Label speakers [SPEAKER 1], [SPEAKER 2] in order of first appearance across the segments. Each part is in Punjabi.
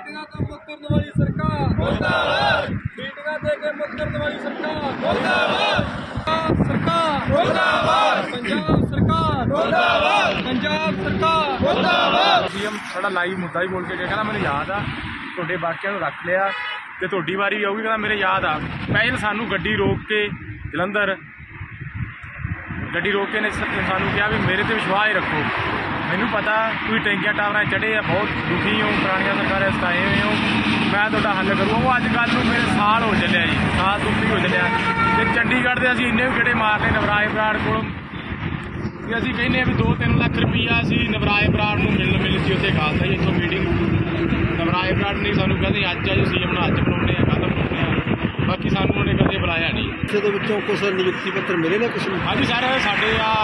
[SPEAKER 1] ਮੀਟਿੰਗਾਂ ਤੋਂ ਮੁੱਕਰਨ ਵਾਲੀ ਸਰਕਾਰ ਮੁਰਦਾਬਾਦ। ਮੀਟਿੰਗਾਂ ਦੇ ਕੇ ਮੁੱਕਰਨ ਵਾਲੀ ਸਰਕਾਰ ਮੁਰਦਾਬਾਦ। ਸਰਕਾਰ ਮੁਰਦਾਬਾਦ। ਪੰਜਾਬ ਸਰਕਾਰ ਮੁਰਦਾਬਾਦ। ਪੰਜਾਬ ਸਰਕਾਰ ਮੁਰਦਾਬਾਦ।
[SPEAKER 2] ਸੀਐਮ ਸਾਡਾ ਲਾਈਵ ਮੁੱਦਾ ਹੀ ਬੋਲ ਕੇ ਗਿਆ, ਕਹਿੰਦਾ ਮੈਨੂੰ ਯਾਦ ਆ ਤੁਹਾਡੇ ਬਾਕੀਆਂ ਨੂੰ ਰੱਖ ਲਿਆ ਤੇ ਤੁਹਾਡੀ ਵਾਰੀ ਵੀ ਆਊਗੀ। ਕਹਿੰਦਾ ਮੇਰੇ ਯਾਦ ਆ ਪਹਿਲ ਸਾਨੂੰ ਗੱਡੀ ਰੋਕ ਕੇ ਜਲੰਧਰ ਗੱਡੀ ਰੋਕ ਕੇ ਨੇ ਸਾਨੂੰ ਕਿਹਾ ਵੀ ਮੇਰੇ ਤੇ ਵਿਸ਼ਵਾਸ ਰੱਖੋ। ਮੈਨੂੰ ਪਤਾ ਤੁਸੀਂ ਟੈਂਕੀਆਂ ਟਾਵਰਾਂ ਚੜ੍ਹੇ ਆ, ਬਹੁਤ ਦੁਖੀ ਹੋ, ਪੁਰਾਣੀਆਂ ਸਰਕਾਰਾਂ ਸਤਾਏ ਹੋਏ ਹੋ, ਮੈਂ ਤੁਹਾਡਾ ਹੱਲ ਕਰੂੰਗਾ। ਉਹ ਅੱਜ ਕੱਲ੍ਹ ਨੂੰ ਮੇਰੇ ਸਾਲ ਹੋ ਚੱਲਿਆ ਜੀ, ਸਾਲ ਤੋਂ ਉੱਪਰ ਹੋ ਚੱਲਿਆ। ਅਤੇ ਚੰਡੀਗੜ੍ਹ ਦੇ ਅਸੀਂ ਇੰਨੇ ਵੀ ਗੇੜੇ ਮਾਰਨੇ ਨਵਰਾਏ ਬਰਾੜ ਕੋਲ ਕਿ ਅਸੀਂ ਕਹਿੰਦੇ ਹਾਂ ਵੀ 2-3 ਲੱਖ ਰੁਪਈਆ ਅਸੀਂ ਨਵਰਾਏ ਬਰਾੜ ਨੂੰ ਮਿਲ ਸੀ ਉੱਥੇ ਖਾਲਸਾ ਜੀ ਇੱਥੋਂ ਮੀਟਿੰਗ। ਨਵਰਾਏ ਬਰਾੜ ਨੇ ਸਾਨੂੰ ਕਹਿੰਦੇ ਅੱਜ ਆ ਜੀ ਸੀਐਮ ਨੂੰ ਅੱਜ ਬਣਾਉਂਦੇ ਆ, ਕੱਲ੍ਹ ਬਣਾਉਂਦੇ ਆ, ਬਾਕੀ ਸਾਨੂੰ ਉਹਨੇ ਕਦੇ ਬੁਲਾਇਆ ਨਹੀਂ।
[SPEAKER 3] ਦੇ ਵਿੱਚੋਂ ਕੁਛ ਨਿਯੁਕਤੀ ਪੱਤਰ ਮਿਲੇ ਨੇ ਕੁਛ?
[SPEAKER 2] ਹਾਂਜੀ ਸਰ, ਸਾਡੇ ਆ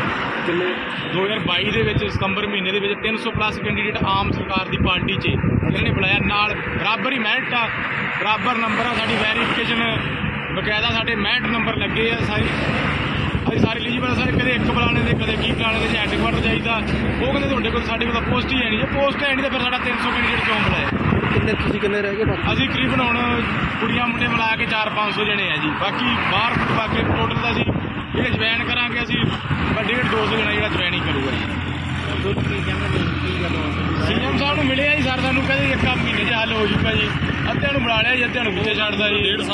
[SPEAKER 2] 2022 ਦੇ ਵਿੱਚ ਸਤੰਬਰ ਮਹੀਨੇ ਦੇ ਵਿੱਚ 300+ ਕੈਂਡੀਡੇਟ ਆਮ ਸਰਕਾਰ ਦੀ ਪਾਰਟੀ 'ਚ ਇਹਨਾਂ ਨੇ ਬੁਲਾਇਆ। ਨਾਲ ਬਰਾਬਰ ਹੀ ਮੈਰਿਟ ਆ, ਬਰਾਬਰ ਨੰਬਰ ਆ, ਸਾਡੀ ਵੈਰੀਫਿਕੇਸ਼ਨ ਬਕਾਇਦਾ ਸਾਡੇ 65 ਨੰਬਰ ਲੱਗੇ ਆ। ਅਸੀਂ ਸਾਰੇ ਐਲੀਜੀਬਲ ਸਾਰੇ, ਕਦੇ ਇੱਕ ਬੁਲਾਣੇ ਦੇ ਕਦੇ ਕੀ ਬੁਲਾਣੇ ਦੇ, ਹੈੱਡਕੁਆਟਰ ਚਾਹੀਦਾ। ਉਹ ਕਹਿੰਦੇ ਤੁਹਾਡੇ ਕੋਲ ਸਾਡੇ ਕੋਲ ਪੋਸਟ ਹੀ ਹੈ ਨਹੀਂ। ਜੇ ਪੋਸਟ ਹੈ ਨਹੀਂ ਤਾਂ ਫਿਰ ਸਾਡਾ 300 ਕੈਂਡੀਡੇਟ ਕਿਉਂ ਬੁਲਾਇਆ?
[SPEAKER 3] ਤੁਸੀਂ ਕਿੰਨੇ ਰਹਿ ਗਏ?
[SPEAKER 2] ਅਸੀਂ ਕਰੀਬਨ ਹੁਣ ਕੁੜੀਆਂ ਮੁੰਡੇ ਮਿਲਾ ਕੇ 400-500 ਜਣੇ ਆ ਜੀ। ਬਾਕੀ ਬਾਹਰ ਬਾਕੀ ਟੋਟਲ ਦਾ ਅਸੀਂ ਜਿਹੜੇ ਜੁਆਇਨ ਕਰਾਂਗੇ ਅਸੀਂ 150-200 ਜਣਾ ਜਿਹੜਾ ਜੁਆਇਨਿੰਗ ਕਰੂਗਾ ਜੀ। ਸੀਐਮ ਸਾਹਿਬ ਨੂੰ ਮਿਲਿਆ ਜੀ ਸਰ, ਸਾਨੂੰ ਕਹਿੰਦੇ 1 ਮਹੀਨੇ 'ਚ ਹੱਲ ਹੋ ਜੂਗਾ ਜੀ। ਅੱਧਿਆਂ ਨੂੰ ਬੁਲਾ ਲਿਆ ਜੀ, ਅੱਧਿਆਂ ਨੂੰ ਪਿੱਛੇ ਛੱਡਦਾ ਜੀ।